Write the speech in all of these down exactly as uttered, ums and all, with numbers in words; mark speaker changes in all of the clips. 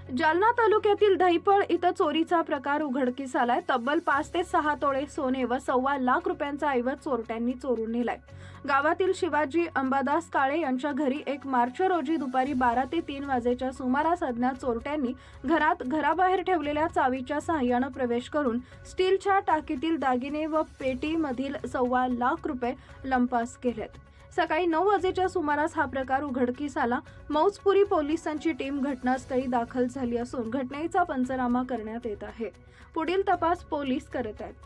Speaker 1: जालना तालुक्यातील दहिपळ इथं चोरीचा प्रकार उघडकीस आलाय। तब्बल पाच ते सहा तोळे सोने व सव्वा लाख रुपयांचा ऐवज चोरट्यांनी चोरून नेलाय। गावातील शिवाजी अंबादास काळे यांच्या घरी एक मार्च रोजी दुपारी बारा ते तीन वाजेच्या सुमारास अज्ञात चोरट्यांनी घरात घराबाहेर ठेवलेल्या चावीच्या सहाय्याने प्रवेश करून स्टीलच्या टाकीतील दागिने व पेटीमधील सव्वा लाख रुपये लंपास केलेत। सकाळी नऊ वाजेच्या सुमारास हा प्रकार उघडकीस आला। मौजपुरी पोलिसांची टीम घटनास्थळी दाखल झाली असून घटनेचा पंचनामा करण्यात येत आहे। पुढील तपास पोलीस करत आहेत।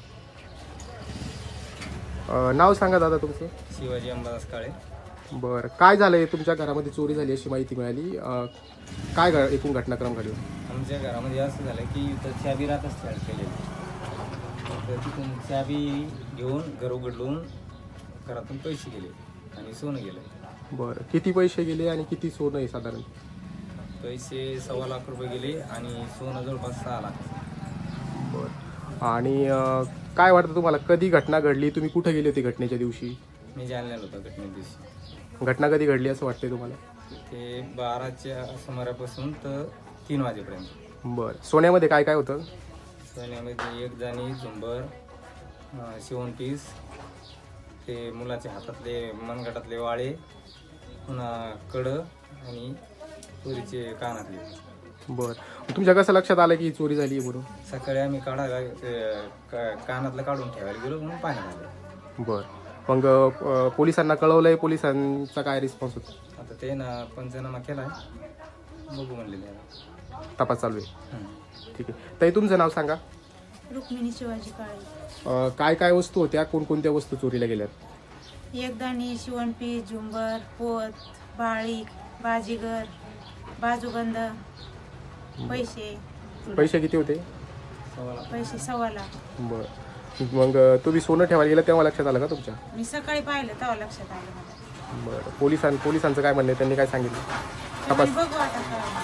Speaker 2: नाव सांगा दादा तुमचं?
Speaker 3: शिवाजी अंबादास काळे।
Speaker 2: बरं, काय झालंय? तुमच्या घरामध्ये चोरी झाली अशी माहिती मिळाली, काय घ एकूण घटनाक्रम घडला?
Speaker 3: आमच्या घरामध्ये असं झालं की इथं चाबी राहतच तयार केलेली, तर तिथून चाबी घेऊन घर उघडून घरातून पैसे गेले आणि सोनं गेलं।
Speaker 2: बरं, किती पैसे गेले आणि किती सोनं आहे साधारण?
Speaker 3: पैसे सव्वा लाख रुपये गेले आणि सोनं जवळपास सहा लाख।
Speaker 2: बरं, आणि काय वाटतं तुम्हाला, कधी घटना घडली? तुम्ही कुठे गेले होते घटनेच्या दिवशी?
Speaker 3: मी जालन्याला होतो घटने दिवशी।
Speaker 2: घटना कधी घडली असं वाटतंय तुम्हाला?
Speaker 3: ते बाराच्या सुमारापासून तर तीन वाजेपर्यंत।
Speaker 2: बरं, सोन्यामध्ये काय काय होतं?
Speaker 3: सोन्यामध्ये एक जाणी, झुंबर, शिवणपीस, ते मुलाच्या हातातले मनगटातले वाळे, पुन्हा कडं आणि चोरीचे कानातले।
Speaker 2: बरं, तुमच्या कसं लक्षात आलं की चोरी झाली आहे म्हणून?
Speaker 3: सकाळी आम्ही काढायला कानातलं काढून ठेवायला गेलो म्हणून पाण्यात आलं।
Speaker 2: बरं, मग अ, पोलिसांना कळवलंय? पोलिसांचा काय रिस्पॉन्स होता?
Speaker 3: आता ते ना पंचनामा केलाय, बघू म्हणलेले
Speaker 2: तपास चालू आहे। ठीक आहे, ताई तुमचं नाव सांगा?
Speaker 4: रुक्मिणी शिवाजी काळे।
Speaker 2: अ, काय काय वस्तू होत्या, कोणकोणत्या वस्तू चोरीला गेल्यात?
Speaker 4: एकदाणी, शिवणपीस, झुंबर, पोत, बाळी, बाजीगर, बाजूबंद, पैसे
Speaker 2: पैसे किती होते?
Speaker 3: सव्वा लाख।
Speaker 4: पैसे सव्वा लाख।
Speaker 2: बरं, मग तुम्ही सोनं ठेवायला गेलं तेव्हा लक्षात आलं का तुमच्या?
Speaker 4: मी सकाळी पाहिलं तेव्हा लक्षात आलं मला।
Speaker 2: बरं, पोलिसां पोलिसांचं काय म्हणणं आहे? त्यांनी काय सांगितलं? तपास
Speaker 4: बघू आता काय।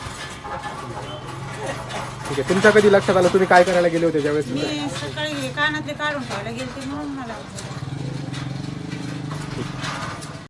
Speaker 2: ठीक आहे, तुमच्या कधी लक्षात आलं? तुम्ही काय करायला गेले होते ज्यावेळेस?
Speaker 4: मी सकाळी कानातले काढून ठेवायला गेलते म्हणून मला